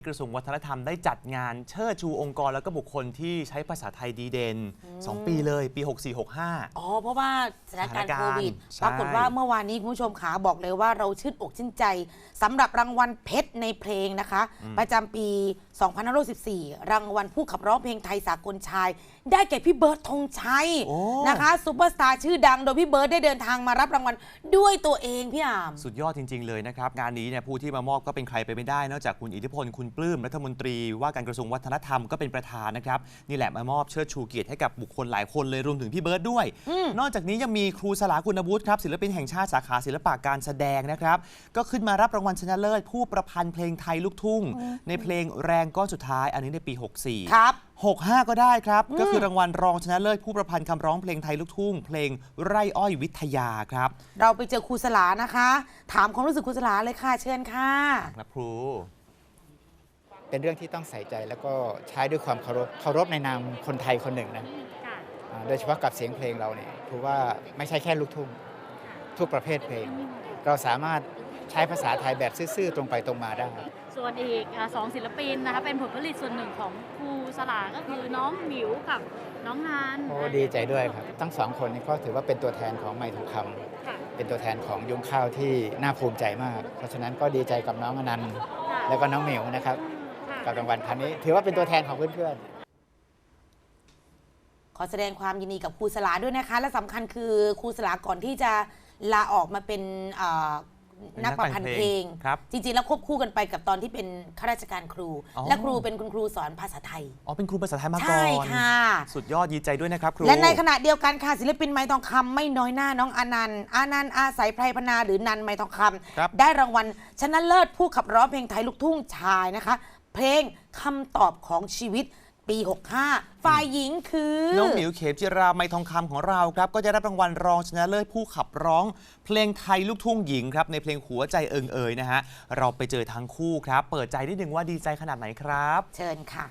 กระทรวงวัฒนธรรมได้จัดงานเชิดชูองค์กรและก็บุคคลที่ใช้ภาษาไทยดีเด่น2 ปีเลยปี 64-65 อ๋อเพราะว่าสถานการณ์โควิดใช่ปรากฏว่าเมื่อวานนี้คุณผู้ชมขาบอกเลยว่าเราชื่นอกชื่นใจสำหรับรางวัลเพชรในเพลงนะคะ ประจำปี 2514 รางวัลผู้ขับร้องเพลงไทยสากลชาย ได้แก่พี่เบิร์ดธงชัยนะคะซุปเปอร์สตาร์ชื่อดังโดยพี่เบิร์ดได้เดินทางมารับรางวัลด้วยตัวเองพี่อามสุดยอดจริงๆเลยนะครับงานนี้เนี่ยผู้ที่มามอบก็เป็นใครไปไม่ได้นอกจากคุณอิทธิพลคุณปลื้มรัฐมนตรีว่าการกระทรวงวัฒนธรรมก็เป็นประธานนะครับนี่แหละมามอบเชิดชูเกียรติให้กับบุคคลหลายคนเลยรวมถึงพี่เบิร์ดด้วยนอกจากนี้ยังมีครูสลาคุณวุฒิครับศิลปินแห่งชาติสาขาศิลปะการแสดงนะครับก็ขึ้นมารับรางวัลชนะเลิศผู้ประพันธ์เพลงไทยลูกทุ่งในเพลงแรงก้อนสุดท้ายอันนี้ในปี 64 ครับ 65 ก็ได้ครับก็คือรางวัลรองชนะเลิศผู้ประพันธ์คำร้องเพลงไทยลูกทุ่งเพลงไร่อ้อยวิทยาครับเราไปเจอครูสลานะคะ ถามความรู้สึกครูสลาเลยค่ะเชิญค่ะครับครูเป็นเรื่องที่ต้องใส่ใจแล้วก็ใช้ด้วยความเคารพในนามคนไทยคนหนึ่งนะโดยเฉพาะกับเสียงเพลงเราเนี่ยถือว่าไม่ใช่แค่ลูกทุ่งทุกประเภทเพลงเราสามารถใช้ภาษาไทยแบบซื่อๆตรงไปตรงมาได้ส่วนอีก2 ศิลปินนะคะเป็นผลผลิตส่วนหนึ่งของครูสลาก็คือน้องหมิวกับน้องนานโอ้ดีใจด้วยครับทั้งสองคนนี้ก็ถือว่าเป็นตัวแทนของไมค์ทองคำเป็นตัวแทนของยุ้งข้าวที่น่าภูมิใจมากเพราะฉะนั้นก็ดีใจกับน้องอนันต์แล้วก็น้องหมิวนะครับกับรางวัลครั้งนี้ถือว่าเป็นตัวแทนของเพื่อนๆขอแสดงความยินดีกับครูสลาด้วยนะคะและสำคัญคือครูสลาก่อนที่จะลาออกมาเป็นนักประพันธ์เพลงจริงๆแล้วควบคู่กันไปกับตอนที่เป็นข้าราชการครูและครูเป็นคุณครูสอนภาษาไทยอ๋อเป็นครูภาษาไทยมาก่อนใช่ค่ะสุดยอดดีใจด้วยนะครับครูและในขณะเดียวกันค่ะศิลปินไม้ทองคำไม่น้อยหน้าน้องอานันต์อาศัยไพรพนาหรือนันไม้ทองคำได้รางวัลชนะเลิศผู้ขับร้องเพลงไทยลูกทุ่งชายนะคะเพลงคำตอบของชีวิตปี 65 ฝ่ายหญิงคือน้องหมิวเขมจิราไมทองคำของเราครับก็จะได้รับรางวัลรองชนะเลิศผู้ขับร้องเพลงไทยลูกทุ่งหญิงครับในเพลงหัวใจเอิงเอยนะฮะเราไปเจอทั้งคู่ครับเปิดใจนิดนึงว่าดีใจขนาดไหนครับเชิญค่ะ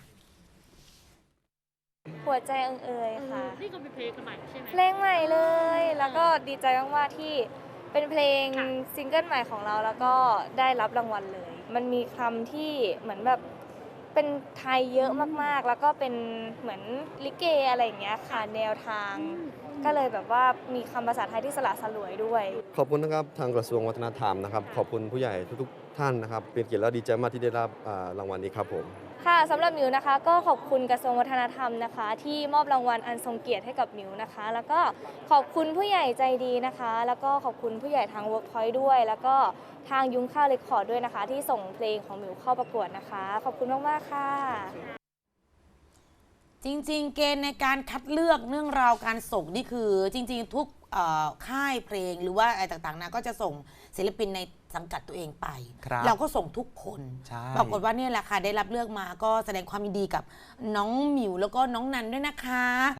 หัวใจเอิงเอยค่ะนี่ก็เป็นเพลงใหม่ใช่ไหมเพลงใหม่เลยแล้วก็ดีใจมากๆที่เป็นเพลงซิงเกิลใหม่ของเราแล้วก็ได้รับรางวัลเลยมันมีคำที่เหมือนแบบเป็นไทยเยอะมากๆแล้วก็เป็นเหมือนลิเกอะไรอย่างเงี้ยค่ะแนวทางก็เลยแบบว่ามีคำภาษาไทยที่สละสลวยด้วยขอบคุณนะครับทางกระทรวงวัฒนธรรมนะครับขอบคุณผู้ใหญ่ทุกๆท่านนะครับเป็นเกียรติและดีใจมากที่ได้รับรางวัลนี้ครับผมค่ะสำหรับหมิวนะคะก็ขอบคุณกระทรวงวัฒนธรรมนะคะที่มอบรางวัลอันทรงเกียรติให้กับหมิวนะคะแล้วก็ขอบคุณผู้ใหญ่ใจดีนะคะแล้วก็ขอบคุณผู้ใหญ่ทาง Workpoint ด้วยแล้วก็ทางยุ้งข้าวเรคคอร์ดด้วยนะคะที่ส่งเพลงของหมิวเข้าประกวดนะคะขอบคุณมากๆค่ะจริงๆเกณฑ์ในการคัดเลือกเรื่องราวการส่งนี่คือจริงๆทุกค่ายเพลงหรือว่าอะไรต่างๆนะก็จะส่งศิลปินในสังกัดตัวเองไปเราก็ส่งทุกคนปรากฏว่าเนี่ยแหละค่ะได้รับเลือกมาก็แสดงความยินดีกับน้องหมิวแล้วก็น้องนันด้วยนะคะ